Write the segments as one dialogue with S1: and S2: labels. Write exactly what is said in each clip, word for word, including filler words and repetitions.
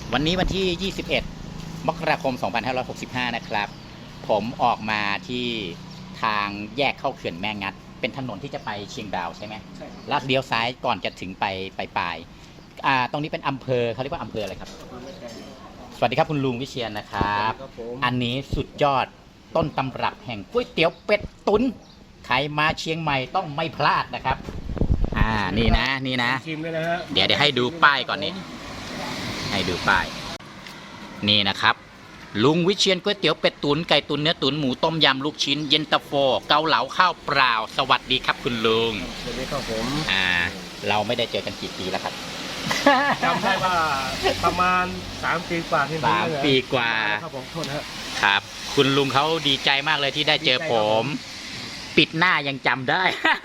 S1: วันนี้วันที่ ยี่สิบเอ็ด มกราคม สองพันห้าร้อยหกสิบห้า นะครับ ผมออกมาที่ทางแยกเข้าเขื่อนแม่งัด เป็นถนนที่จะไปเชียงดาวใช่ไหมใช่แล้วเลี้ยวซ้ายก่อนจะถึงไปไปปลายอ่าตรงนี้เป็นอำเภอเขาเรียกว่าอำเภออะไรครับ สวัสดีครับคุณลุงวิเชียรนะครับ อันนี้สุดยอดต้นตำรับแห่งก๋วยเตี๋ยวเป็ดตุ๋นใครมาเชียงใหม่ต้องไม่พลาดนะครับ อ่า นี่นะ นี่นะ เดี๋ยวเดี๋ยวให้ดูป้ายก่อนนี่ให้ดูป้าย นี่นะครับ ลุงวิเชียรก๋วยเตี๋ยวเป็ดตุ๋นไก่ตุ๋นเนื้อตุ๋นหมูต้มยำลูกชิ้นเย็นตาโฟเกาเหลาข้าวเปล่าสวัสดีครับคุณลุง
S2: สวัสดีครับผม
S1: อ่า เราไม่ได้เจอกันกี่ปีแล้วครับ
S2: จำได้ว่าประมาณสามปีกว่าที่
S1: สามปีกว่า
S2: ครับผมโทษนะครับ
S1: ครับคุณลุงเขาดีใจมากเลยที่ได้เจอผม ปิดหน้ายังจำได้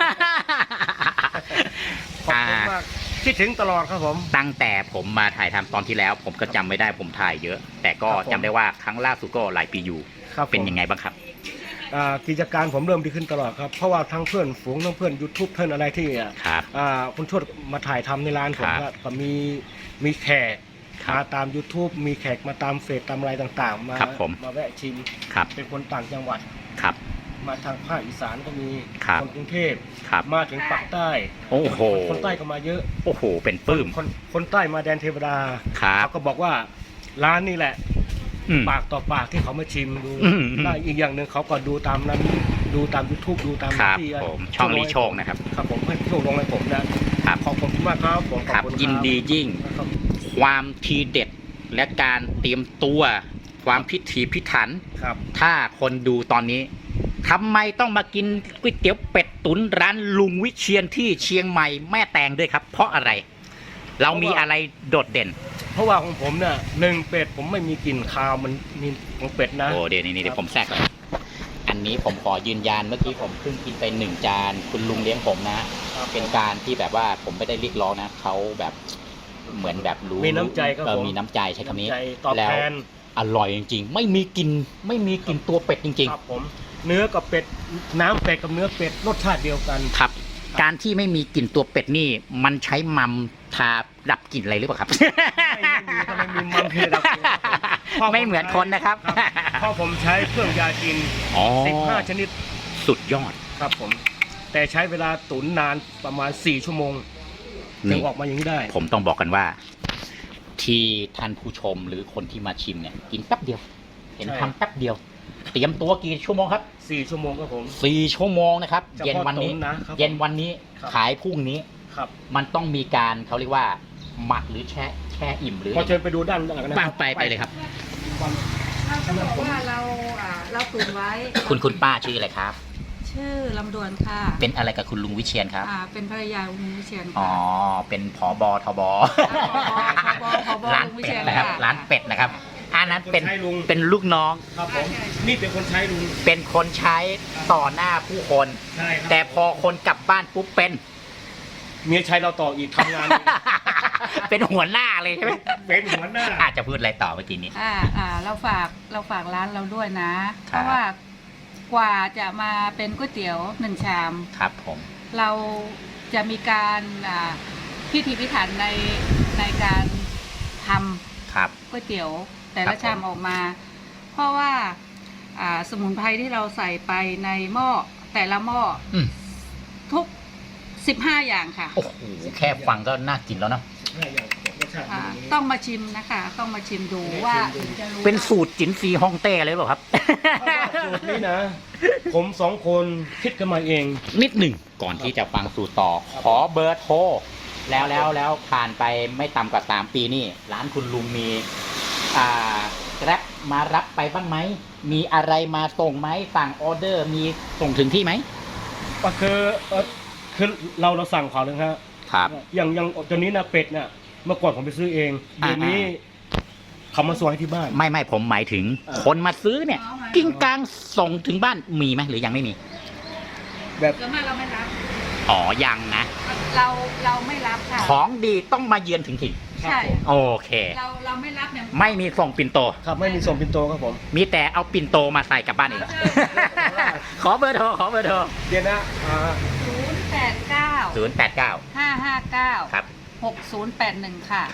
S2: ขอบคุณมากคิดถึงตลอดครับผม
S1: ตั้งแต่ผมมาถ่ายทำตอนที่แล้ว ผมก็จำไม่ได้ผมถ่ายเยอะ แต่ก็จำได้ว่าครั้งล่าสุดก็หลายปีอยู่เป็นยังไงบ้างครับ
S2: กิจการผมเริ่มดีขึ้นตลอดครับเพราะว่าทั้งเพื่อนฝูงทั้งเพื่อนยูทูบเพื่อนอะไรที่คุณชวดมาถ่ายทำในร้านผมก็มีมีแขกมาตาม YouTube มีแขกมาตามเฟซตามอะไรต่างๆมามาแวะชิมเป็นคนต่างจังหวัด
S1: ครับ
S2: มาทางภาคอีสานก็มีคนกรุงเทพมาถึงภาคใต้
S1: โอ้โห
S2: คนใต้ก็มาเยอะ
S1: โอ้โหเป็นปื้ม
S2: คนคนใต้มาแดนเทวดาเขาก็บอกว่าร้านนี้แหละปากต่อปากที่เขามาชิมดูได้อีกอย่างหนึ่งเขาก็ดูตามนั้นดูตาม YouTube ดูตาม
S1: ที่ช่องลีโชคนะครับ
S2: ครับผมเพื่อนโชคลงให้ผมนะครับขอบคุณมากครับผม
S1: ขอบคุณยินดียิ่งความทีเด็ดและการเตรียมตัวความพิถีพิถันถ้าคนดูตอนนี้ทำไมต้องมากินก๋วยเตี๋ยวเป็ดตุ๋นร้านลุงวิเชียรที่เชียงใหม่แม่แตงด้วยครับเพราะอะไรเรามีอะไรโดดเด่น
S2: เพราะว่าของผมเนี่ยหนึ่งเป็ดผมไม่มีกลิ่นคาวมันมีของเป็ดนะ
S1: โอ้เดี๋ยวนี้เดี๋ยวผมแทรกก่อนอันนี้ผมขอยืนยันเมื่อกี้ผมเพิ่งกินไปหนึ่งจานคุณลุงเลี้ยงผมนะเป็นการที่แบบว่าผมไม่ได้เรียกร้องนะเขาแบบเหมือนแบบรู้
S2: มีน้ำใจครับผม
S1: มีน้ำใจใช้คำนี้แล้วอร่อยจริงๆไม่มีกลิ่นไม่มีกลิ่นตัวเป็ดจริงๆ
S2: ครับผมเนื้อกับเป็ดน้ำเป็ดกับเนื้อเป็ดรสชาติเดียวกัน
S1: ครับการที่ไม่มีกลิ่นตัวเป็ดนี่มันใช้มัมทาดับกลิ่นอะไรหรือเปล่าครับ
S2: ไม่มีมัมเทดับกลิ่น
S1: ไม่เหมือนคนนะครับ
S2: เพราะผมใช้เครื่องยากินสิบห้าชนิด
S1: สุดยอด
S2: ครับผมแต่ใช้เวลาตุ๋นนานประมาณสี่ชั่วโมงถึงออกมาอย่างนี้ได้
S1: ผมต้องบอกกันว่าที่ท่านผู้ชมหรือคนที่มาชิมเนี่ยกินแป๊บเดียวเห็นทำแป๊บเดียวเตรียมตัวกี่ชั่วโมงครับ
S2: สี่ชั่วโมงครับผม
S1: สี่ชั่วโมงนะครับเย็นวันนี้เย็นวันนี้ขายพรุ่งนี้
S2: ครับ
S1: มันต้องมีการเขาเรียกว่าหมักหรือแช่แช่อิ่มหรือ
S2: พอเชิญไปดูด้านหลังนะ
S1: ป้าไปไปเลยครับ
S3: เราจะบอกว่าเราเราตุ๋นไว้
S1: คุณคุณป้าชื่ออะไรครับ
S3: ชื่อลำดวนค่ะ
S1: เป็นอะไรกับคุณลุงวิเชียรครับ
S3: อ่าเป็นภรรยาลุงวิเชียร
S1: อ๋อเป็นผบทบร้านเป็ดนะครับร้านเป็ดนะครับอันนั้นเป็นเป็นลูกน้อง
S2: ครับผมนี่เป็นคนใช้ลุง
S1: เป็นคนใช้ต่อหน้าผู้คนแต่พอคนกลับบ้านปุ๊บเป็น
S2: เมียใช้เราต่ออีกทำงาน
S1: เป็นหัวหน้าเลยใช่ไหม
S2: เป็นหัวหน้า
S1: อาจจะพูดอะไรต่อเมื่อกี้นี้
S3: อ่าอ่าเราฝากเราฝากร้านเราด้วยนะเพราะว่ากว่าจะมาเป็นก๋วยเตี๋ยวหนึ่งชาม
S1: ครับผม
S3: เราจะมีการพิถีพิถันในในการทำก๋วยเตี๋ยวแต่ละชามออกมาเพราะว่าสมุนไพรที่เราใส่ไปในหม้อแต่ละหม้อทุกสิบห้าอย่างค่ะ
S1: โอ้โหแค่ฟังก็น่ากินแล้วนะ
S3: ต้องมาชิมนะคะต้องมาชิมดูว่า
S1: เป็นสูตรจินซีฮ่องเต้เลยหรอครับ
S2: สูตรนี้นะผมสองคนคิดกันมาเอง
S1: นิดหนึ่งก่อนที่จะฟังสูตรต่อขอเบอร์โทรแล้วแล้วแล้วผ่านไปไม่ต่ำกว่าสามปีนี่ร้านคุณลุงมีอ่าแกร็บมารับไปบ้างไหมมีอะไรมาส่งไหมสั่งออเดอร์มีส่งถึงที่ไหม
S2: ก็คือเออคือเราเราสั่งเขาเลยครับ
S1: ครับ
S2: อย่างอย่างตอนนี้นะเป็ดเนี่ยเมื่อก่อนผมไปซื้อเองเดี๋ยวนี้เขามาส่งให้ที่บ้าน
S1: ไม่ไม่ผมหมายถึงคนมาซื้อเนี่ยกิ้งกลางส่งถึงบ้านมีไหมหรือยังไม่มี
S2: แบบ
S3: ส่วนมากเราไม่รับ
S1: อ๋อยังนะ
S3: เราเราไม่รับค่ะ
S1: ของดีต้องมาเยือนถึงถิ่น
S3: ใช่
S1: โอเค
S3: เราเราไม่รับเนี่ย
S1: ไม่มีส่งปิ่นโต
S2: ครับไม่มีส่งปิ่นโตครับผม
S1: มีแต่เอาปิ่นโตมาใส่กลับบ้านเองขอเบอร์โทรขอเบอร์โทร
S2: เดี๋ยวนะ
S3: ศูนย์แปดเก้า
S1: ศูนย์แปดเก้า
S3: ห้าห้าเก้า
S1: ครับ
S3: หกศูนย์แปดหนึ่งค่ะ
S1: ครับ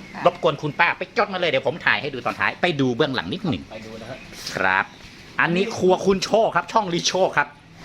S3: ค่ะ
S1: รบกวนคุณป้าไปจดมาเลยเดี๋ยวผมถ่ายให้ดูตอนท้ายไปดูเบื้องหลังนิดหนึ่ง
S2: ไปดูนะฮะ
S1: ครับ อันนี้ครัวคุณโชคครับ ช่องลิโชคครับ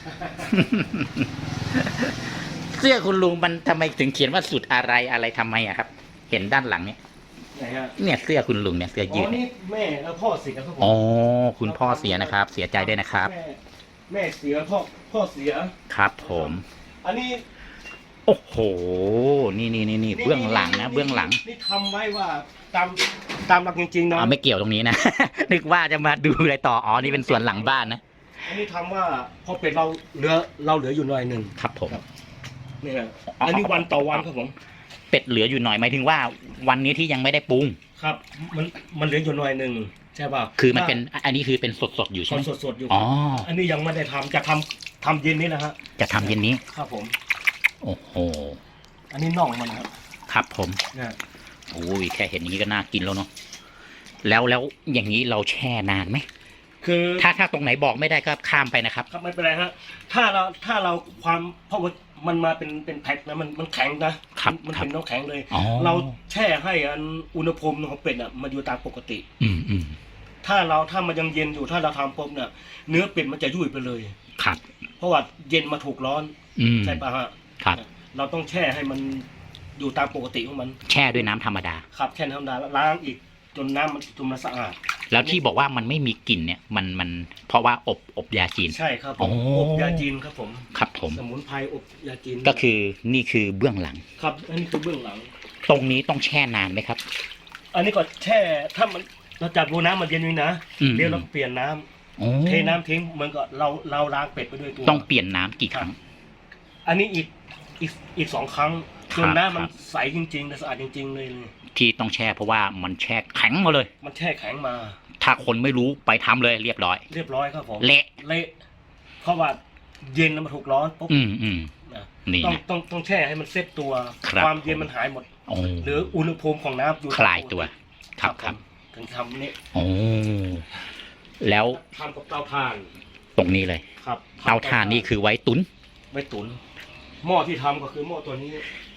S1: เสื้อคุณลุงมันทำไมถึงเขียนว่าสุดอะไรอะไรทำไมอะครับ เห็นด้านหลังเนี่ย
S2: ไหนฮะ
S1: เนี่ยเสื้อคุณลุงเนี่ยเสื้อ
S2: อ๋
S1: ยื
S2: อ
S1: ด
S2: นี่แม่แล้วพ่อเสียครับผม
S1: อ๋อคุณพ่อเสียนะครับ เสียใจด้วยนะครับ
S2: แม่แม่เสียพ่อพ่อเสีย
S1: ครับผม
S2: อันนี้
S1: โอ้โห นี่นี่นี่นี่เบื้องหลังนะเบื้องหลัง
S2: นี่ทำไว้ว่าตามตามหลักจริงๆนะ
S1: อ๋อไม่เกี่ยวตรงนี้นะ นึกว่าจะมาดูอะไรต่ออ๋อนี่เป็นส่วนหลังบ้านนะ
S2: อันนี้ทำว่าพอเป็ดเราเหลือเราเหลืออยู่หน่อยหนึ่ง
S1: ครับผม
S2: นี่ฮะอันนี้วันต่อวันครับผม
S1: เป็ดเหลืออยู่หน่อยหมายถึงว่า วันนี้ที่ยังไม่ได้ปรุง
S2: ครับ มันมันเหลืออยู่หน่อยหนึ่งใช่ป่ะ
S1: คือมันเป็นอันนี้คือเป็นสดสดๆอยู่ใช่ไหม
S2: สดสดๆอยู่
S1: อ๋อ
S2: อันนี้ยังไม่ได้ทำจะทำทำเย็นนี้นะฮะ
S1: จะทำเย็นนี้
S2: ครับผม
S1: โอ้โห
S2: อันนี้น่องมันครับ
S1: ครับผม
S2: เนี่ย
S1: โอ้ยแค่เห็นอย่างนี้ก็น่ากินแล้วเนาะแล้วแล้วอย่างนี้เราแช่นานไหม
S2: คือ
S1: ถ้าถ้าตรงไหนบอกไม่ได้ก็ข้ามไปนะครับ
S2: ครับไม่เป็นไรฮะถ้าเราถ้าเราความเพราะว่ามันมาเป็นเป็นแพ็คนะมันมันแข็งนะครับ มัน
S1: ครับ
S2: เป็นน้ำแข็งเลย
S1: อ๋อ
S2: เราแช่ให้อันอุณหภูมิของเป็ดอ่ะมันอยู่ตามปกติ
S1: อืมอืม
S2: ถ้าเราถ้ามันยังเย็นอยู่ถ้าเราทำปุ๊บเนี่ยเนื้อเป็ดมันจะยุ่ยไปเลย
S1: ครับ
S2: เพราะว่าเย็นมาถูกร้อน
S1: อืม
S2: ใช่ปะฮะ
S1: ครับ
S2: เราต้องแช่ให้มันอยู่ตามปกติของมัน
S1: แช่ด้วยน้ำธรรมดา
S2: ครับแช่ธรรมดาแล้วล้างอีกจนน้ำมันจนมันสะอาด
S1: แล้วที่บอกว่ามันไม่มีกลิ่นเนี่ย มันมันเพราะว่าอบอบยาจีน
S2: ใช่ครับผ
S1: อ๋
S2: ม
S1: อ
S2: อบยาจีนครับผม
S1: ครับผม
S2: สมุนไพรอบยาจีน
S1: ก็คือนี่คือเบื้องหลัง
S2: ครับอันนี้คือเบื้องหลัง
S1: ตรงนี้ต้องแช่นานไหมครับ
S2: อันนี้ก็แช่ถ้ามันเราจับดูน้ำมันเย็นนี่นะ
S1: อืม
S2: เดี๋ยวเราเปลี่ยนน้ำ
S1: โอ้
S2: เทน้ำทิ้งเหมือนกับเราเราล้างเป็ดไปด้วยตัว
S1: ต้องเปลี่ยนน้ำกี่ครั้ง
S2: อันนี้อีกอีกอีกสองครั้ง
S1: ครับ
S2: จนน้ำมัน
S1: ครับ
S2: ใสจริงๆและสะอาดจริง ๆ เลยเลย
S1: ที่ต้องแช่เพราะว่ามันแช่แข็งมาเลย
S2: มันแช่แข็งมา
S1: ถ้าคนไม่รู้ไปทำเลยเรียบร้อย
S2: เรียบร้อยครับผม
S1: เละ
S2: เละเพราะว่าเย็นแล้วมันถูกร้อนปุ๊บ
S1: อืมอืม
S2: นะ
S1: นี่
S2: ต้อง
S1: นะ
S2: ต้องต้องแช่ให้มันเซ็ตตัว
S1: ครับ
S2: ความเย็นมันหายหมด
S1: โอ้
S2: หรืออุณหภูมิของน้ำอยู่
S1: คลายตัว ครับครับ
S2: ผมถึงทำนี่
S1: โอ้แล้ว
S2: ทำกับเตาถ่าน
S1: ตรงนี้เลย
S2: ครับ
S1: เตาถ่านนี่คือไว้ตุ๋น
S2: ไม่ตุ๋นหม้อที่ทำก็คือหม้อตัวนี้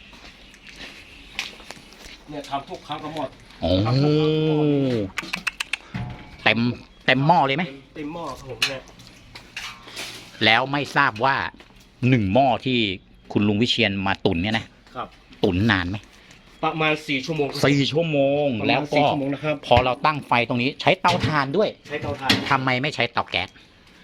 S2: เนี่ยทำทุกครั้งก็หมด
S1: โอ้เต็มเต็มหม้อเลยไหม
S2: เต็มหม้อครับผมเนี่ย
S1: แล้วไม่ทราบว่าหนึ่งหม้อที่คุณลุงวิเชียนมาตุ๋นเนี่ยนะครับ ตุ๋นนานไหม
S2: ประมาณสี่ชั่วโมงครับ
S1: สี่ชั่วโมง
S2: ประมาณ
S1: แล้ว
S2: สี่
S1: ก็
S2: ชั่วโมงนะครับ
S1: พอเราตั้งไฟตรงนี้ใช้เตาถ่านด้วย
S2: ใช้เตาถ่าน
S1: ทำไมไม่ใช้เตาแก๊ส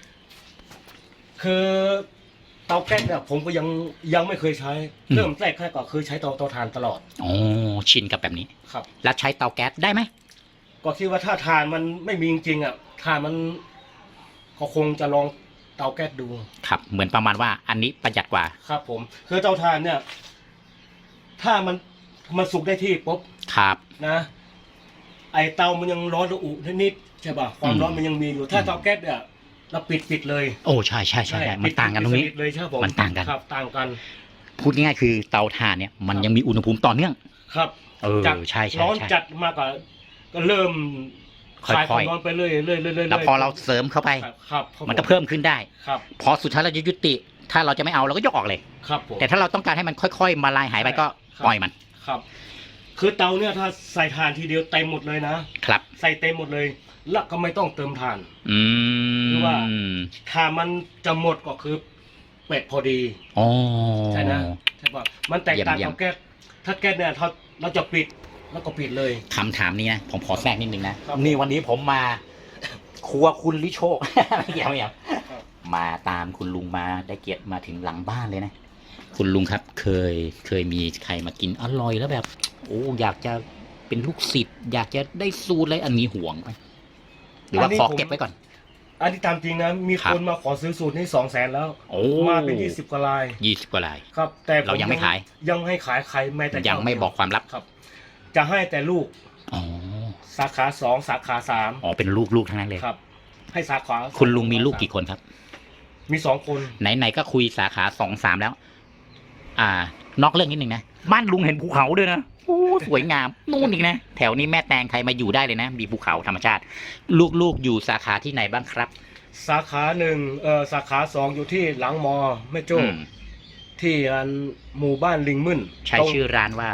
S2: คือเตาแก๊สเนี่ยผมก็ยังยังไม่เคยใช้
S1: อืม
S2: เริ่มแรกๆก็คือใช้เตาเตาถ่านตลอด
S1: อ๋อชินกับแบบนี้
S2: ครับ
S1: แล้วใช้เตาแก๊สได้ไหม
S2: ก็คิดว่าถ้าถ่านมันไม่มีจริงๆอ่ะถ่านมันก็คงจะลองเตาแก๊สดู
S1: ครับ เหมือนประมาณว่าอันนี้ประหยัดกว่า
S2: ครับ ผม คือเตาถ่านเนี่ย ถ้ามันมันสุกได้ที่ปุ๊บ
S1: ครับ
S2: นะ ไอเตามันยังร้อนระอุนิดๆใช่ป่ะความร้อนมันยังมีอยู่ ถ้าเตาแก๊สเนี่ยเราปิดปิดเลย
S1: โอ้ใช่ใช่ใช่ใช่มัน
S2: ปิด
S1: ต่างกันตรงนี้
S2: ปิดเลยใช่ครับผม
S1: มันต่างกัน
S2: ครับต่างกัน
S1: พูดง่ายๆคือเตาถ่านเนี่ยมันยังมีอุณหภูมิต่อเนื่อง
S2: ครับ
S1: เออ
S2: จาก
S1: ใช่ใช่
S2: ร้อน
S1: ใช่
S2: จัดมากกว่าก็เริ่ม
S1: ค่อยๆ
S2: คลายความร้อนไปเรื่อยๆเรื่อยๆเรื่อยๆ
S1: แล้วพอเราเสริมเข้าไป
S2: ครับครับครับ
S1: มันก็เพิ่มขึ้นได้
S2: ครับ
S1: พอสุดท้ายเราจะยุติ ถ้าเราจะไม่เอาเราก็ยกออกเลย
S2: ครับผม
S1: แต่ถ้าเราต้องการให้มันค่อยๆ มาลายหายไปก็
S2: ครับ
S1: ปล่อยมัน
S2: ครับ คือเตาเนี่ยถ้าใส่ถ่านทีเดียวเต็มหมดเลยนะครับ ใส่เต็มหมดเลยแล้วก็ไม่ต้องเติมถ่าน
S1: อืม
S2: คือว่า ถ้ามันจะหมดก็คือเป็ดพอดี
S1: อ๋อ
S2: ใช่นะใช่ป่ะมันแตกต่าง
S1: เยี่ยม
S2: กับแก๊สถ้าแก๊สเนี่ยเราเราจะปิดแล้วก็ปิดเลย
S1: คำถามนี้นะผมขอแทรกนิดนึงนะ
S2: ครับ
S1: นี่วันนี้ผมมา ครัวคุณลิโชค ไม่เกี่ยวไม่เกี่ยว
S2: ครับ
S1: มาตามคุณลุงมาได้เกียรติมาถึงหลังบ้านเลยนะ คุณลุงครับเคยเคยมีใครมากินอร่อยแล้วแบบ โอ้อยากจะเป็นลูกศิษย์อยากจะได้สูตรอะไรอันนี้ห่วงไหมหรือว่าขอเก็บไว้ก่อน
S2: อันที่ตามจริงนะมี
S1: ครับ
S2: คนมาขอซื้อสูตรนี่สองแสนแล้ว
S1: โอ้
S2: มาเป็นยี่สิบกว่าลาย
S1: ยี่สิบกว่าลาย
S2: ครับ แต่ผ
S1: เรายังไม่ขาย
S2: ยังให้ขายใครแม้แต่
S1: ยังไม่บอกความลับ
S2: ครับ จะให้แต่ลูก
S1: อ๋อ
S2: สาขาสองสาขาสาม
S1: อ๋อเป็นลูกลูกทั้งนั้นเลย
S2: ครับ ให้สาขา
S1: คุณลุงมีลูกกี่คนครับ
S2: มีสองคน
S1: ไหนๆก็คุยสาขาสองสามแล้ว อ่านอกเรื่องนิดหนึ่งนะบ้านลุงเห็นภูเขาด้วยนะโอ้สวยงามนู่นอีกนะแถวนี้แม่แตงใครมาอยู่ได้เลยนะ มีภูเขาธรรมชาติ ลูกๆอยู่สาขาที่ไหนบ้างครับ
S2: สาขาหนึ่งเอ่อสาขาสองอยู่ที่หลังมอแม่โจ้
S1: อืม
S2: ที่อันหมู่บ้านลิงมึน
S1: ใช้
S2: ตรง
S1: ชื่อร้านว่าอะไร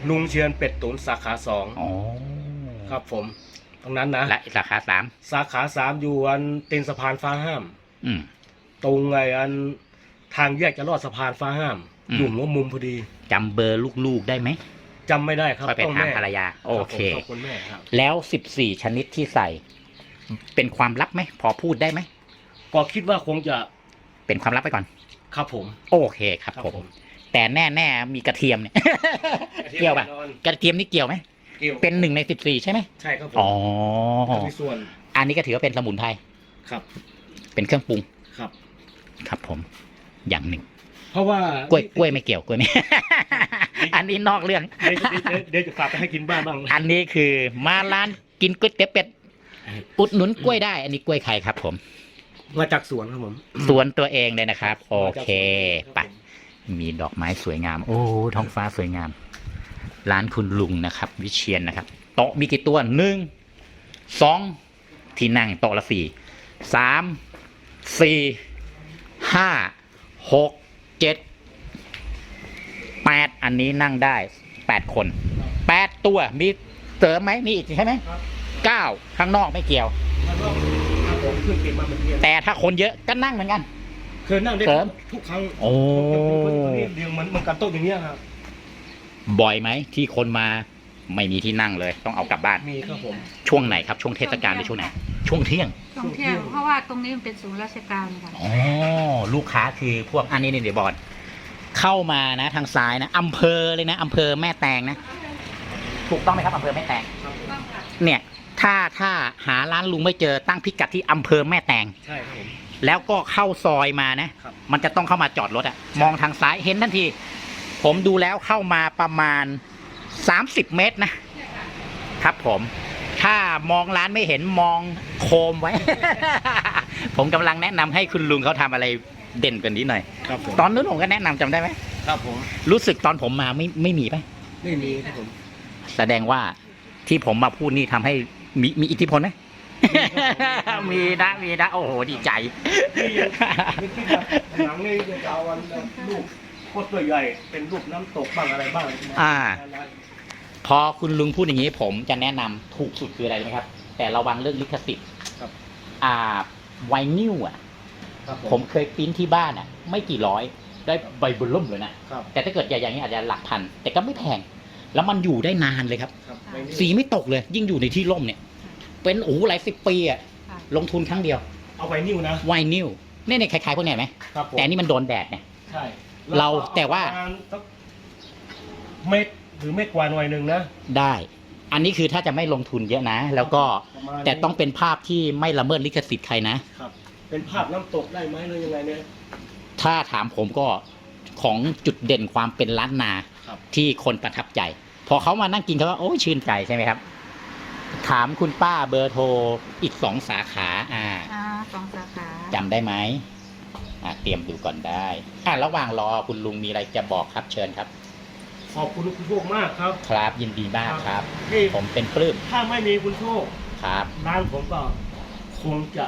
S2: ลุงเชียนเป็ดตุ๋นสาขาสอง
S1: อ๋อ
S2: ครับผมตรงนั้นนะ
S1: และสาขาสาม
S2: สาขาสามอยู่อันตีนสะพานฟ้าห้าม
S1: อืม
S2: ตรงไงอันทางแยกจะลอดสะพานฟ้าห้าม
S1: อืม
S2: อยู่หัวมุมพอดี
S1: จำเบอร์ลูกๆได้ไหม
S2: จำไม่ได้ครับ
S1: ค่อยไป
S2: ต้อง
S1: ถาม
S2: แม่
S1: ภรรยา โอเค
S2: รับผมขอบคุณแม่ครับ
S1: แล้วสิบสี่ชนิดที่ใส่ เป็นความลับไหม พอพูดได้ไหม
S2: ก็คิดว่าคงจะ
S1: เป็นความลับไปก่อน
S2: ครับผม
S1: โอเคครับผม แต่แน่ๆมีกระเทียมเนี่ย เกี่ยวป่ะ กระเทียมนี่เกี่ยวไหม
S2: เกี่ยว
S1: เป็นหนึ่งในสิบสี่ใช่ไหม
S2: ใช่ครับผม
S1: อ๋อ
S2: มีส่วน
S1: อันนี้ก็ถือว่าเป็นสมุนไพร
S2: ครับ
S1: เป็นเครื่องปรุง
S2: ครับ
S1: ครับผม อย่างหนึ่ง
S2: เพราะว่าก
S1: ล้วยกล้วยไม่เกี่ยวกล้วยไม่ อันนี้นอกเรื่อง
S2: เดี๋ยวเดี๋ยวเดี๋ยวเดี๋ยวจะฝากไปให้กินบ้างบ้าง
S1: อันนี้คือมาร้านกินก๋วยเตี๋ยวเป็ด อุดหนุนกล้วยได้ อันนี้กล้วยไข่ครับผม
S2: มาจากสวนครับผม
S1: สวนตัวเองเลยนะครับ โอเค
S2: มา
S1: ไป
S2: จากสวนครับผม
S1: มีดอกไม้สวยงาม โอ้ท้องฟ้าสวยงาม ร้านคุณลุงนะครับ วิเชียนนะครับ โต๊ะมีกี่ตัวหนึ่งสองที่นั่งโต๊ะละสี่สามสี่ห้าหกเจ็ดแปดอันนี้นั่งได้แปดคนแปดตัวมีเสริมไหมมีอีกใช่ไหม
S2: ครับ
S1: เก้าข้างนอกไม่เกี่ยว
S2: แล้วก็ครับผมเพิ่งเก็บมาเมื่อกี้
S1: แต่ถ้าคนเยอะก็นั่งเหมือนกัน
S2: เคยนั่งได้
S1: เสริม
S2: ทุกครั้ง
S1: โอ้
S2: เดียวมันมันกันโต๊ะอย่างเงี้ยครับ
S1: บ่อยไหมที่คนมาไม่มีที่นั่งเลย ต้องเอากลับบ้าน
S2: มีครับผม
S1: ช่วงไหนครับ ช่วงเทศกาลหรือช่วงไหน ช่วงเที่ยง
S3: ท่องเที่ยวเพราะว่าตรงนี้มันเป็นศูนย์ราชการค่ะ
S1: อ๋อลูกค้าคือพวกอันนี้นี่เดี๋ยวบอลเข้ามานะทางซ้ายนะอำเภอเลยนะอำเภอแม่แตงนะถูกต้องไหมครับอำเภอแม่แตง เนี่ย ถ้าถ้าหาร้านลุงไม่เจอตั้งพิกัดที่อำเภอแม่แตง
S2: ใช่ครับผม
S1: แล้วก็เข้าซอยมานะ
S2: ครับ
S1: มันจะต้องเข้ามาจอดรถอะมองทางซ้ายเห็นทันที ผมดูแล้วเข้ามาประมาณสามสิบเมตรนะ ครับผม ถ้ามองร้านไม่เห็นมองโคมไว้ ผมกำลังแนะนำให้คุณลุงเขาทำอะไรเด่นกว่านี้หน่อย
S2: ครับผม
S1: ตอนนู้นผมก็แนะนำจำได้ไหม
S2: ครับผม
S1: รู้สึกตอนผมมาไม่ไม่มีปะ
S2: ไม่มีครับผม
S1: แสดงว่าที่ผมมาพูดนี่ทำให้มีมีอิทธิพลไหม มีนะมีนะโอ้โหดีใจ
S2: นี่ที่แบบหนังนี่จะเอาวันลูกโคตรตัวใหญ่เป็นรูปน้ำตกบ้างอะไรบ้าง
S1: อ่า พอคุณลุงพูดอย่างนี้ผมจะแนะนำถูกสุดคืออะไรรู้ไหมครับ แต่ระวังเรื่องลิขสิทธิ์
S2: ครับ
S1: อ่าไวนิลอ่ะ
S2: ครับ
S1: ผมเคยปริ้นที่บ้านอ่ะ ไม่กี่ร้อยได้ใบบุญล่มเลยนะ
S2: ครับ
S1: แต่ถ้าเกิดใหญ่ๆอย่างนี้อาจจะหลักพัน แต่ก็ไม่แพง แล้วมันอยู่ได้นานเลยครับ
S2: ครับไม่มี
S1: สีไม่ตกเลย ยิ่งอยู่ในที่ร่มเนี่ย เป็นโอ้โหหลายสิบปีอ่ะ
S3: ค่ะ
S1: ลงทุนครั้งเดียว
S2: เอาไว้นิ้วนะ
S1: ไวนิลเนี่ยเนี่ยคล้ายๆพวกเนี้ยไหม
S2: ครับผม
S1: แต่อันนี่มันโดนแดดเนี่ย
S2: ใช่
S1: เราแต่ว่า
S2: ประมณสักเม็ดหรือเม็ดกว่าหน่อยหนึ่งนะ
S1: ได้ อันนี้คือถ้าจะไม่ลงทุนเยอะนะ แล้วก็
S2: ประมาณนี้
S1: แต่ต้องเป็นภาพที่ไม่ละเมิดลิขสิทธิ์ใครนะ
S2: ครับ เป็นภาพน้ำตกได้ไหมหรือยังไงเนี่ย
S1: ถ้าถามผมก็ของจุดเด่นความเป็นล้านนา
S2: ครับ
S1: ที่คนประทับใจ พอเขามานั่งกินเขาก็โอ้ยชื่นใจใช่ไหมครับ ถามคุณป้าเบอร์โทรอีกสองสาขา อ่า
S3: อ่าสองสาขา
S1: จำได้ไหมอ่าเตรียมดูก่อนได้อ่าระหว่างรอคุณลุงมีอะไรจะบอกครับเชิญครับ
S2: ขอบคุณคุณโชคมากครับ
S1: ครับยินดีมากครับ
S2: ที่
S1: ผมเป็นปลื้ม
S2: ถ้าไม่มีคุณโชค
S1: ครับ
S2: ร้านผมก็คงจะ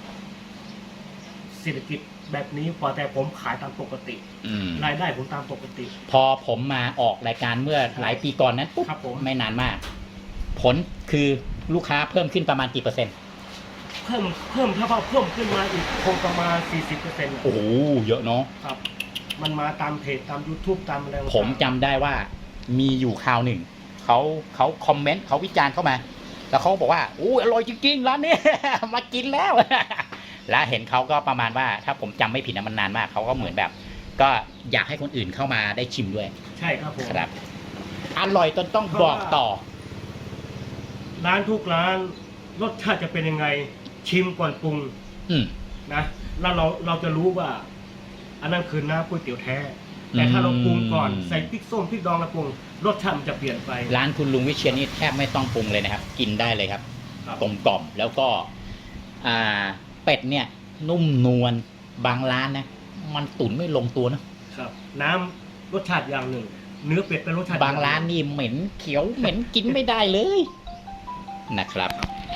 S2: เศรษฐกิจแบบนี้พอแต่ผมขายตามปกติ
S1: อืม
S2: รายได้ผมตามปกติ
S1: พอผมมาออกรายการเมื่อหลายปีก่อนนั้นปุ๊บ
S2: ครับผม
S1: ไม่นานมาก ผลคือลูกค้าเพิ่มขึ้นประมาณกี่เปอร์เซ็นต์
S2: เพิ่มเพิ่มถ้าว่าเพิ่มขึ้นมาอีกคงประมาณ สี่สิบเปอร์เซ็นต์
S1: โอ้โหเยอะเนาะ
S2: ครับ มันมาตามเพจตาม YouTube ตามอะไรต่างๆ
S1: ผมจำได้ว่ามีอยู่คราวหนึ่งเขาเขาคอมเมนต์เขาวิจารณ์เข้ามา แล้วเขาบอกว่าโอ้อร่อยจริงๆร้านนี้ มากินแล้ว แล้วเห็นเขาก็ประมาณว่า ถ้าผมจำไม่ผิดนะมันนานมากเขาก็เหมือนแบบ ก็อยากให้คนอื่นเข้ามาได้ชิมด้วย
S2: ใช่ครับผม
S1: ครับอร่อยจนต้องบอกต่อ
S2: ร้านทุกร้านรสชาติจะเป็นยังไงชิมก่อนปรุง
S1: อืม
S2: นะแล้วเราเราจะรู้ว่า อันนั้นคือน้ำก๋วยเตี๋ยวแท้ แต่ถ้าเราปรุงก่อน
S1: อืม
S2: ใส่พริกส้มพริกดองแล้วปรุงรสชาติมันจะเปลี่ยนไป
S1: ร้านคุณลุงวิเชียรนี่แทบไม่ต้องปรุงเลยนะครับ กินได้เลยครับ
S2: ครับ
S1: กลมกล่อมแล้วก็ อ่า เป็ดเนี่ย นุ่มนวลบางร้านนะ มันตุ๋นไม่ลงตัวนะ
S2: ครับ น้ำรสชาติอย่างหนึ่ง เนื้อเป็ดเป็นรสชาติ
S1: บางร้านนี่เหม็นเขียวเหม็นกินไม่ได้เลยนะครับ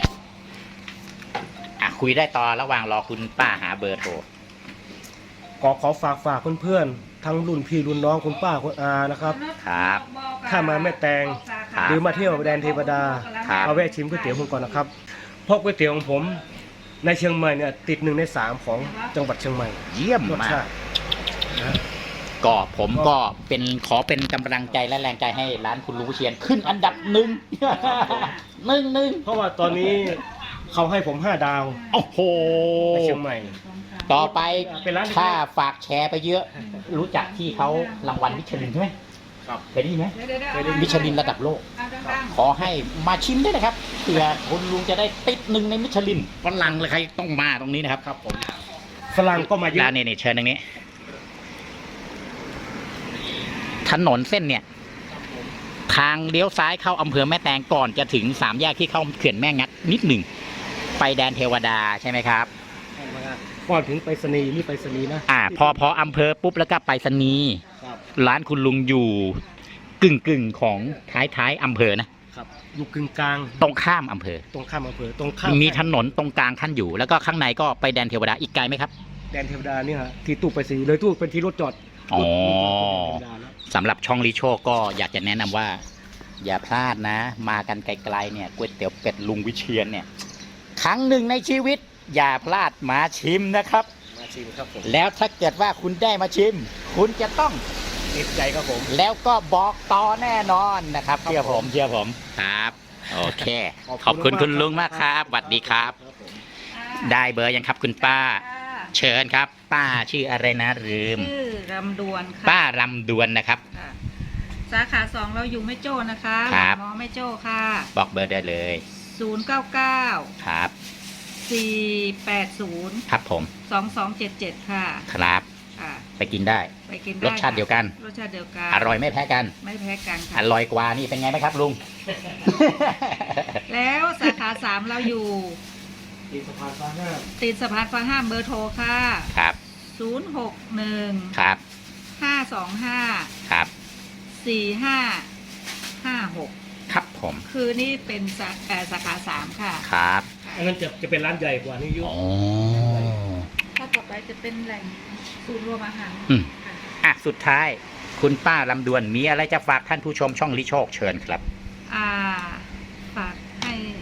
S1: อ่ะคุยได้ต่อระหว่างรอคุณป้าหาเบอร์โทร
S2: ขอขอฝากฝากเพื่อนๆทั้งรุ่นพี่รุ่นน้องคุณป้าคุณอานะครับ
S1: ครับ
S2: ถ้ามาแม่แตง
S1: ครับ
S2: หรือมาเที่ยวแดนเทวดา
S1: ครับ
S2: มาแวะชิมก๋วยเตี๋ยวผมก่อนนะครับเพราะก๋วยเตี๋ยวของผมในเชียงใหม่เนี่ยติดหนึ่งในสามของจังหวัดเชียงใหม่
S1: เยี่ยม
S2: รส
S1: มา
S2: ชาก ตินะ
S1: ก็ผมก็เป็นขอเป็นกำลังใจและแรงใจให้ร้านคุณลุงวิเชียนขึ้นอันดับหนึ่ง หนึ่งหนึ่ง
S2: เพราะว่าตอนนี้เขาให้ผมห้าดาว
S1: โอ้โห
S2: ในเชียงใหม่
S1: ต่อไป
S2: เป็นร้านเล็กๆ
S1: ถ้าฝากแชร์ไปเยอะ รู้จักที่เขารางวัลมิชลินใช่ไหม
S2: ครับ
S1: เคยได้ยินไหม
S2: เคยได้ยิ
S1: มิชลินระดับโลก
S3: ดัง
S1: ขอให้มาชิมด้วยนะครับเผื่อคุณลุงจะได้ติดหนึ่งในมิชลินฝรั่งเลยใครต้องมาตรงนี้นะครับ
S2: ครับผมฝรั่งก็มาเย
S1: ร้า
S2: อะ
S1: นนี้นี่เชิญตรงนี้ ถนนเส้นเนี่ย ทางเลี้ยวซ้ายเข้าอำเภอแม่แตงก่อนจะถึงสามแยกที่เข้าเขื่อนแม่งัดนิดหนึ่งไปแดนเทวดาใช่ไหมครับ
S2: ก่อนถึงไปรษณีย์นี่ไปรษณีย์นะ
S1: อ่า พอพออำเภอปุ๊บแล้วก็ไปสนีย์
S2: ครับ
S1: ร้านคุณลุงอยู่กึ่งกึ่งๆของท้ายท้ายๆอำเภอนะครับ
S2: อยู่กึ่งกลาง
S1: ตรงข้ามอำเภอ
S2: ตรงข้ามอำเภอตรงข้าม
S1: มีถนนตรงกลางขั้นอยู่ แล้วก็ข้างในก็ไปแดนเทวดาอีกไกลไหมครับ
S2: แดนเทวดาเนี่ยฮะที่ตู้ไปรษณีย์เลยตู้เป็นที่รถจอด
S1: อ๋อ
S2: รถจอดเป็นแดนเทวดาแล้ว
S1: สำหรับช่องลิโชก็อยากจะแนะนำว่า อย่าพลาดนะ มากันไกลๆเนี่ยก๋วยเตี๋ยวเป็ดลุงวิเชียนเนี่ย ครั้งหนึ่งในชีวิต อย่าพลาดมาชิมนะครับ
S2: มาชิมครับผม
S1: แล้วถ้าเกิดว่าคุณได้มาชิม คุณจะต้อง
S2: ติดใจครับผม
S1: แล้วก็บอกต่อแน่นอนนะครับเชื่อผมเชื่อผมครับ โอเค ขอบคุณคุณลุงมากครับสวัสดีครับ
S2: ครับผม
S1: ได้เบอร์ยังครับคุณป้า เชิญครับ ป้าชื่ออะไรนะลืม
S3: ชื่อรำดวนค่ะ
S1: ป้ารำดวนนะครับ
S3: ค่ะสาขาสองเราอยู่แม่โจ้นะคะ
S1: ครับ
S3: หมอแม่โจ้ค่ะ
S1: บอกเบอร์ได้เลย
S3: ศูนย์เก้าเก้า
S1: ครับ
S3: สี่แปดศูนย์
S1: ครับผม
S3: สองสองเจ็ดเจ็ดค่ะ
S1: ครับ
S3: ค่ะ
S1: ไปกินได้
S3: ไปกินได้
S1: รสชาติเดียวกัน
S3: รสชาติเดียวกัน
S1: อร่อยไม่แพ้กัน
S3: ไม่แพ้กัน
S1: อ
S3: ค่ะ
S1: ร่อยกว่านี่เป็นไงไหมครับลุง
S3: แล้วสาขาสามเราอยู่
S2: ติดสะพานฟ้าห้า
S3: ติดสะพานฟ้าห้ามเบอร์โทรค่ะ
S1: ครับ
S3: ศูนย์หกหนึ่ง
S1: ครับ
S3: ห้าสองห้า
S1: ครับ
S3: สี่ห้าห้าหก
S1: ครับผม
S3: คือนี่เป็นสาเอ่อสาขาสามค่ะ
S1: ครับ
S2: อันนั้นจะจะเป็นร้านใหญ่กว่านี้เยอะ
S1: โอ้
S3: ถ้าต่อไปจะเป็นแหล่งศูนย์รวมอาหาร
S1: อืม
S3: ค่ะ
S1: อ่ะสุดท้าย คุณป้าลำดวนมีอะไรจะฝากท่านผู้ชมช่องลิโชคเชิญครับ
S3: อ่าฝากให้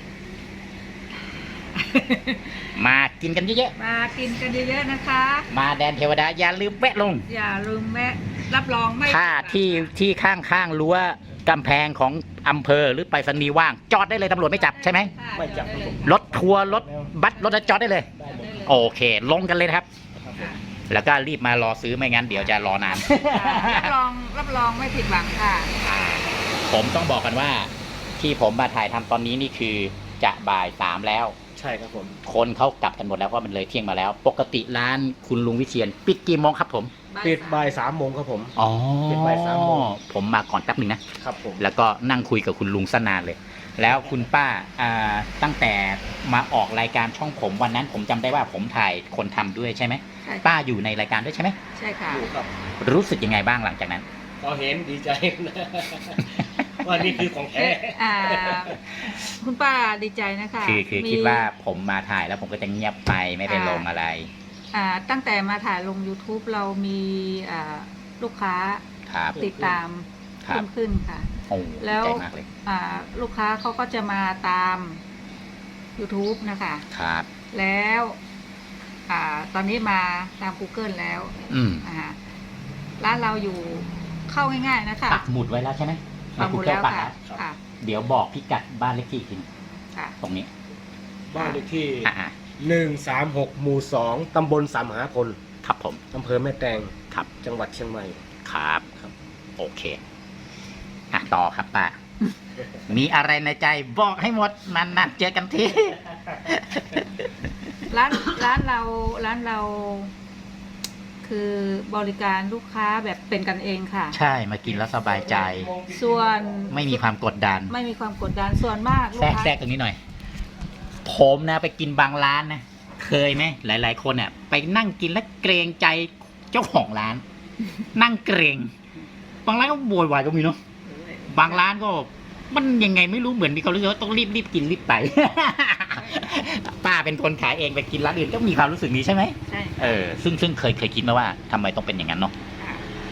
S1: มากินกันเยอะ
S3: มากินกันเยอะๆนะคะ
S1: ๆมาแดนเทวดาอย่าลืมแวะลง
S3: อย่าลืมแวะรับรองไม่
S1: ถ้าที่ที่ข้างๆรั้วกำแพงของอำเภอหรือไปรษณีย์ว่าง จอดได้เลยตำรวจไม่จับใช่ไหม
S3: ค่ะ
S2: ไม่จับครับผม
S1: รถทัวร์รถบัสรถจอดได้เลย
S2: ได้หมด
S1: โอเค ลงกันเลยนะครับ
S2: ครับผม
S3: ค่ะ
S1: แล้วก็รีบมารอซื้อไม่งั้นเดี๋ยวจะรอนาน
S3: รับรองรับรองไม่ผิดหวังค่ะ
S1: ผมต้องบอกกันว่า ที่ผมมาถ่ายทำตอนนี้นี่คือจะบ่ายสามแล้ว
S2: ใช่ครับผม
S1: คนเขากลับกันหมดแล้วเพราะมันเลยเที่ยงมาแล้ว ปกติร้านคุณลุงวิเชียนปิดกี่โมงครับผม
S2: ปิดบ่ายสามโมงครับผม
S1: อ๋อ
S2: ปิดบ่ายสามโมง
S1: ผมมาก่อนแป๊บหนึ่งนะ
S2: ครับผม
S1: แล้วก็นั่งคุยกับคุณลุงสนานเลย แล้วคุณป้าอ่าตั้งแต่มาออกรายการช่องผมวันนั้น ผมจำได้ว่าผมถ่ายคนทำด้วยใช่ไหม
S3: ใช่ค่ะ
S1: ป้าอยู่ในรายการด้วยใช่ไหม
S3: ใช่ค่ะ
S2: อยู่ครับ
S1: รู้สึกยังไงบ้างหลังจากนั้น
S2: ก็เห็นดีใจ ว่านี่คือของแท้
S3: อ่า คุณป้าดีใจนะคะ
S1: คือคือ
S3: มี
S1: คิดว่าผมมาถ่ายแล้วผมก็จะเงียบไปไม่ได้ลงอะไร
S3: อ่าตั้งแต่มาถ่ายลง YouTube เรามีอ่าลูกค้า
S1: ครับ
S3: ติดตาม
S1: ครั
S3: เพิ่
S1: บ
S3: มขึ้นค่ะ
S1: โอ้
S3: แล้
S1: ดี
S3: ว
S1: ใจมากเลย
S3: อ่าลูกค้าเขาก็จะมาตาม YouTube นะคะ
S1: ครับ
S3: แล้วอ่าตอนนี้มาตาม Google แล้ว
S1: อืม
S3: อ่าร้านเราอยู่เข้าง่ายๆนะคะ
S1: ปักหมุดไว้แล้วใช่ไหม
S3: ปักหมุดแล้ว
S1: ปัก
S3: ค่ะ
S1: แล้ว
S3: ค่ะ
S1: เดี๋ยวบอกพิกัดบ้านเลขที่อีกที
S3: ค่ะ
S1: ตรงนี้
S2: บ้านเลขที่
S1: อ่า
S2: หนึ่งสามหกหมู่สองตำบลสามมหาพล
S1: ๆครับผม
S2: อำเภอแม่แตง
S1: ครับ
S2: จังหวัดเชียงใหม่
S1: ครับ
S2: ครับ
S1: โอเคอ่ะต่อครับป้า มีอะไรในใจบอกให้หมดนานๆเจอกันที
S3: ร้านร้านเราร้านเรา คือบริการลูกค้าแบบเป็นกันเองค่ะ
S1: ใช่มากินแล้วสบายใจ
S3: ส่วน
S1: ไม่มีความกดดัน
S3: ไม่มีความกดดันส่วนมากลู
S1: แทร
S3: ก
S1: ก
S3: ค้า
S1: แทรกตรงนี้หน่อย ผมนะไปกินบางร้านนะ เคยไหมหลาย ๆ คนเนี่ยไปนั่งกินแล้วเกรงใจเจ้าของร้าน นั่งเกรงบางร้านก็โวยวายก็มีเนาะบางร้านก็มันยังไงไม่รู้เหมือนมีความรู้สึกว่าต้องรีบรีบกินรีบไป ป้าเป็นคนขายเองไปกินร้านอื่นก็มีความรู้สึกนี้ใช่ไหม
S3: ใช่
S1: เออซึ่งซึ่งเคยเคยคิดไหมว่าทำไมต้องเป็นอย่างนั้นเนาะ
S3: ค่ะ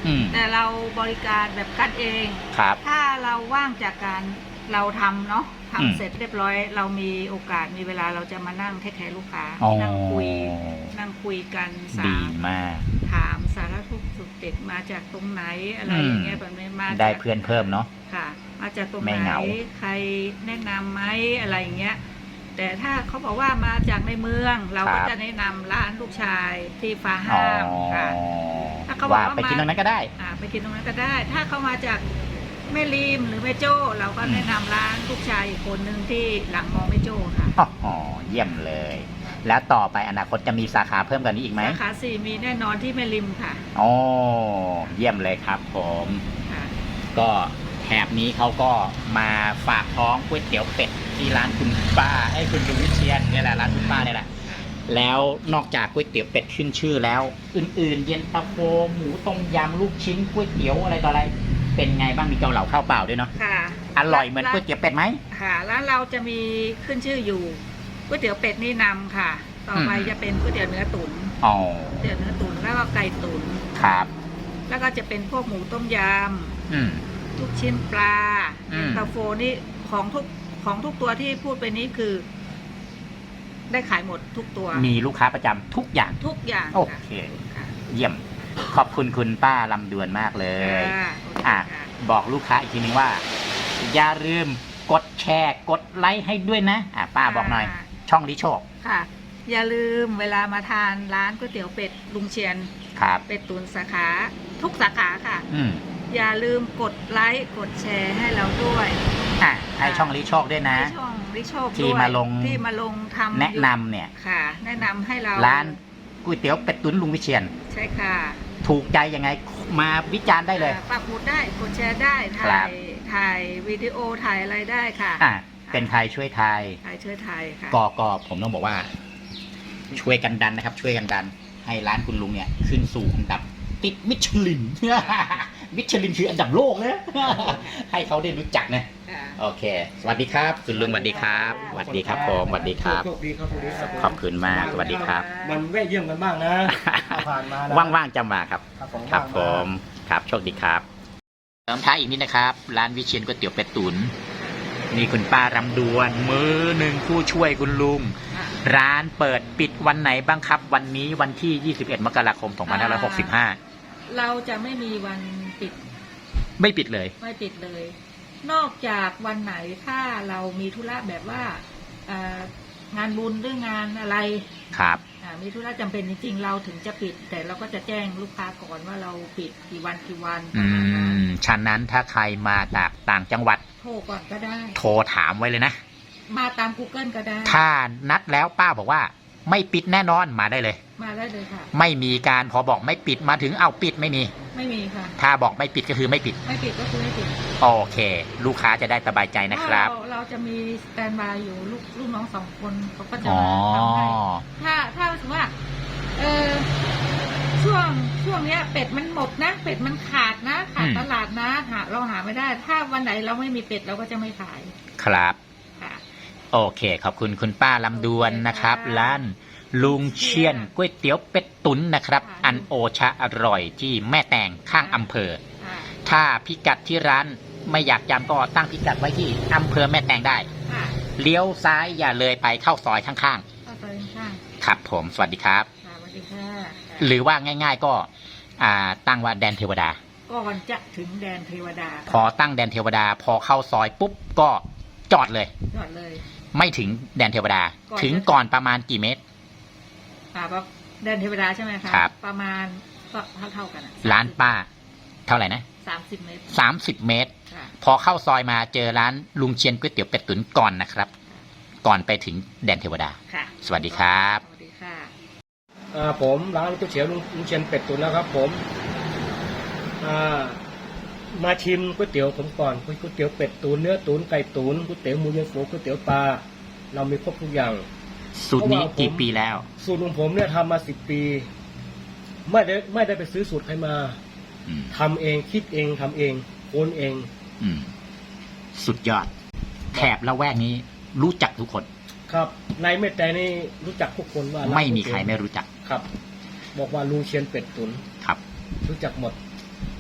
S1: อืม
S3: แต่เราบริการแบบกันเอง
S1: ครับ
S3: ถ้าเราว่างจากการเราทำเนาะ
S1: อืม
S3: ทำเสร็จเรียบร้อย เรามีโอกาสมีเวลาเราจะมานั่งเทคแคร์ลูกค้า
S1: อ๋อ
S3: นั่งคุย นั่งคุยกันสา
S1: ดี
S3: ร
S1: มาก
S3: ถามสารทุกข์สุขดิบมาจากตรงไหนอะไรอย่างเงี้ยแบบนี้มาจาก
S1: ได้เพื่อนเพิ่มเนาะ
S3: ค่ะ มาจากตรง
S1: ไม่
S3: ไหน
S1: เหงา
S3: ใครแนะนำไหมอะไรอย่างเงี้ย แต่ถ้าเขาบอกว่ามาจากในเมือง เราก็จะแนะนำร้านลูกชายที่ฟ้า
S1: อ๋อ
S3: ห้ามค่ะ ถ้าเขาบอก
S1: ว่า
S3: ว่า
S1: ไปกินตรงนั้นก็ได้
S3: อ่าไปกินตรงนั้นก็ได้ ถ้าเขามาจากแม่ริมหรือแม่โจ้เราก็
S1: อืม
S3: แนะนำร้านลูกชายอีกคนหนึ่งที่หลังมอแม่โจ้ค่ะ
S1: อ๋อเยี่ยมเลย แล้วต่อไปอนาคตจะมีสาขาเพิ่มกว่านี้อีกไหม
S3: สาขาสี่มีแน่นอนที่แม่ริมค่ะ
S1: โอ้เยี่ยมเลยครับผม
S3: ค่ะ
S1: ก็แถบนี้เขาก็มาฝากท้องก๋วยเตี๋ยวเป็ดที่ร้านคุณป้าไอ้ยคุณลุงวิเชียนเนี่ยแหละร้านคุณป้าเนี่ยแหละ แล้วนอกจากก๋วยเตี๋ยวเป็ดขึ้นชื่อแล้ว อื่นๆ เย็นตาโฟหมูต้มยำลูกชิ้นก๋วยเตี๋ยวอะไรต่ออะไร เป็นไงบ้างมีเกาเหลาข้าวเปล่าด้วยเนาะ
S3: ค่ะ
S1: อร่อยเหมือนก๋วยเตี๋ยวเป็ดไหม
S3: ค่ะแล้วเราจะมีขึ้นชื่ออยู่ก๋วยเตี๋ยวเป็ดนี่นำค่ะ ต่อไป
S1: อืม
S3: จะเป็นก๋วยเตี๋ยวเนื้อตุ๋น
S1: อ๋อ
S3: ก๋วยเตี๋ยวเนื้อตุ๋นแล้วก็ไก่ตุ๋น
S1: ครับ
S3: แล้วก็จะเป็นพวกหมูต้มย
S1: อืม
S3: ำลูกชิ้นปลา
S1: อืม
S3: เย็นตาโฟนี่ของทุกของทุกตัวที่พูดไปนี้คือ ได้ขายหมดทุกตัว
S1: มีลูกค้าประจำทุกอย่าง
S3: ทุกอย่าง
S1: โอ
S3: ค่ะ
S1: เค
S3: ค่ะ
S1: เยี่ยม ขอบคุณคุณป้าลำดวนมากเลย
S3: ค่ะโอเค
S1: อ่ะ
S3: ค่ะ
S1: บอกลูกค้าอีกทีนึงว่า อย่าลืมกดแชร์ กดไลค์ให้ด้วยนะ อ่ะป้าบอกหน่อย ช่องลิโชค
S3: ค่ะ อย่าลืมเวลามาทานร้านก๋วยเตี๋ยวเป็ดลุงเชียน
S1: ครับ
S3: เป็ดตุ๋นสาขาทุกสาขาค่ะ
S1: อืม
S3: อย่าลืมกดไลค์กดแชร์ให้เราด้วย
S1: อ่ะให้ช่องลิโชคด้วยนะ
S3: ให้ช่องริโชค
S1: ที่
S3: ด้วย
S1: มาลง
S3: ที่มาลงทำ
S1: แนะนำเนี่ย
S3: ค่ะ แนะนำให้เรา
S1: ร้านก๋วยเตี๋ยวเป็ดตุ๋นลุงวิเชียน
S3: ใช่ค่ะ
S1: ถูกใจยังไงมาวิจารณ์ได้เลย
S3: อ่าปักหมุดได้กดแชร์ได้
S1: ครั
S3: ถ่า
S1: บ
S3: ยถ่ายวิดีโอถ่ายอะไรได้ค่ะ
S1: อ่ะเป็นใครช่วยทาย
S3: ถ่ายช่วยถ่ายค่ะ
S1: ก็ก็ผมต้องบอกว่า ช่วยกันดันนะครับ ช่วยกันดัน ให้ร้านคุณลุงเนี่ย ขึ้นสู่อันดับติดมิชลิน มิชลินคืออันดับโลกนะ ให้เขาได้รู้จักนะ
S3: ค่ะ
S1: โอเค สวัสดีครับ คุณลุงสวัสดีครับสวัสดีครับผมสวัสดีครับ
S2: โชคดีครับโชคดีครับผม
S1: ขอบคุณมากสวัสดีครับ
S2: มันแวะเยี่ยมกันบ้างนะถ้าผ่านมานะ
S1: ว่างๆจะมาครับ
S2: ครับผม
S1: ครับผ
S2: ว่าง
S1: มครับโชคดีครับเติมท้ายอีกนิดนะครับ ร้านวิเชียนก๋วยเตี๋ยวเป็ดตุ๋นนี่คุณป้ารำดวน มือหนึ่งผู้ช่วยคุณลุง
S3: ค่ะ
S1: ร้านเปิดปิดวันไหนบ้างครับ วันนี้วันที่ ยี่สิบเอ็ด มกราคม สองพันห้าร้อยหกสิบห้า
S3: เราจะไม่มีวันปิด
S1: ไม่ปิดเลย
S3: ไม่ปิดเลย นอกจากวันไหนถ้าเรามีธุระแบบว่าเอ่องานบุญหรืองานอะไร
S1: ครับ
S3: อ่ามีธุระจำเป็นจริงๆ เราถึงจะปิด แต่เราก็จะแจ้งลูกค้าก่อนว่าเราปิดกี่วันกี่วันป
S1: อื
S3: ระมาณนั้น
S1: มฉะนั้นถ้าใครมาจากต่างจังหวัด
S3: โทรก่อนก็ได้
S1: โทรถามไว้เลยนะ
S3: มาตาม Google ก็ได้
S1: ถ้านัดแล้วป้าบอกว่า ไม่ปิดแน่นอนมาได้เลย
S3: มาได้เลยค่ะ
S1: ไม่มีการพอบอกไม่ปิดมาถึงเอาปิดไม่มี
S3: ไม่มีค่ะ
S1: ถ้าบอกไม่ปิดก็คือไม่ปิด
S3: ไม่ปิดก็คือไม่ปิด
S1: โอเค ลูกค้าจะได้สบายใจนะครับ
S3: เราเราจะมีสแตนบายอยู่ลูกลูกน้องสองคนเขาก็จะ
S1: อ๋อ
S3: มาทำให้ ถ้าถ้าสมมติว่าเออช่วงช่วงเนี้ย เป็ดมันหมดนะ เป็ดมันขาดนะขาด
S1: อืม
S3: ตลาดนะหาเราหาไม่ได้ ถ้าวันไหนเราไม่มีเป็ดเราก็จะไม่ขาย
S1: ครับ
S3: ค่ะ
S1: โอเค ขอบคุณคุณป้าลำดวนนะครับ
S3: ค่ะ
S1: ร้านลุงเชียนก๋วยเตี๋ยวเป็ดตุ๋นนะครับ
S3: ค่ะ
S1: อันโอชะอร่อยที่แม่แตงข้างอำเภอ
S3: ค่ะ
S1: ถ้าพิกัดที่ร้านไม่อยากจำก็ตั้งพิกัดไว้ที่อำเภอแม่แตงได้
S3: ค่ะ
S1: เลี้ยวซ้ายอย่าเลยไปเข้าซอยข้าง
S3: เข้าไปข้าง
S1: ๆ ครับผมสวัสดีครับ
S3: ๆค่ะสวัสดีค่ะ
S1: หรือว่าง่าย ๆ ก็อ่าตั้งว่าแดนเทวดา
S3: ก่อนจะถึงแดนเทวดา
S1: พอตั้งแดนเทวดา พอเข้าซอยปุ๊บก็จอดเลย
S3: จอดเลย
S1: ไม่ถึงแดนเทวดา
S3: ก่อน
S1: ถึงก่อนประมาณกี่เมตร
S3: อ่าแบบแดนเทวดาใช่ไหมคะ
S1: ครับ
S3: ประมาณก็เท่าเท่าๆกันอะ
S1: ร้านป้า เท่าไหร่นะ
S3: สามสิบเมตร
S1: สามสิบเมตร
S3: ค่ะ
S1: พอเข้าซอยมาเจอร้านลุงเชียนก๋วยเตี๋ยวเป็ดตุ๋นก่อนนะครับ ก่อนไปถึงแดนเทวดา
S3: ค่ะ
S1: สวัสดีครับ
S3: สวัสดีค่ะ
S2: อ่าผมร้านก๋วยเตี๋ยวลุงลุงเชียนเป็ดตุ๋นแล้วครับผมอ่ามาชิมก๋วยเตี๋ยวผมก่อนก๋วยเตี๋ยวเป็ดตุ๋นเนื้อตุ๋นไก่ตุ๋นก๋วยเตี๋ยวหมูเย็นฟูก๋วยเตี๋ยวปลาเรามีครบทุกอย่าง
S1: สูตรนี้กี่ปีแล้ว
S2: สูตรของผมเนี่ยทำมาสิบปี ไม่ได้ไม่ได้ไปซื้อสูตรใครมา
S1: อืม
S2: ทำเองคิดเองทำเองโอนเอง
S1: อืม สุดยอด แถบละแวกนี้รู้จักทุกคน
S2: ครับในแม่แต่นี่รู้จักทุกคนว่าร้าน
S1: ไม่มีใคร
S2: ก๋วยเตี๋ยว
S1: ไม่รู้จัก
S2: ครับ บอกว่าลุงเชียนเป็ดตุ๋น
S1: ครับ
S2: รู้จักหมด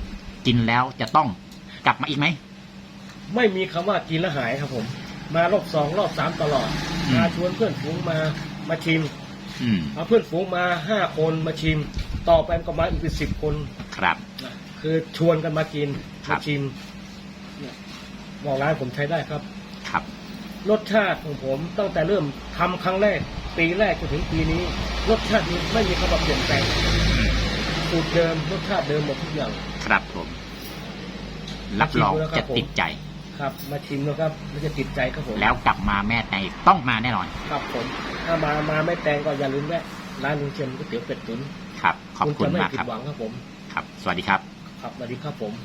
S1: กินแล้วจะต้องกลับมาอีกไหม
S2: ไม่มีคำว่ากินแล้วหายครับผม มารอบสองรอบสามตลอด
S1: อืม
S2: มาชวนเพื่อนฝูงมามาชิม
S1: อืม
S2: เอาเพื่อนฝูงมาห้าคนมาชิม ต่อไปก็มาอีกเป็นสิบคน
S1: ครับ
S2: นะคือชวนกันมากิน
S1: ครั
S2: มา
S1: บ
S2: ชิมเนี่ยบอกร้านผมใช้ได้ครับ
S1: ครับ
S2: รสชาติของผมตั้งแต่เริ่มทำครั้งแรก ปีแรกจนถึงปีนี้ รสชาตินี้ไม่มีคำว่าเปลี่ยนแปลง
S1: อืม
S2: สูตรเดิมรสชาติเดิมหมดทุกอย่าง
S1: ครับผม รับรอง
S2: ชิมดูแล้วครั
S1: จะ
S2: บผม
S1: ติดใจ
S2: ครับ มาชิมแล้วครับมันจะติดใจครับผม
S1: แล้วกลับมาแม่ในต้องมาแน่นอน
S2: ครับผมถ้ามามาไม่แตงก็อย่าลืมแวะร้านลุงเชียนก๋วยเตี๋ยวเป็ดตุ๋น
S1: ครับ ขอบคุณ
S2: จะไม่
S1: มาก
S2: ผิ
S1: ครั
S2: ด
S1: บ
S2: หวังครับผม
S1: ครับ สวัสดีครับ
S2: ครับสวัสดีครับผม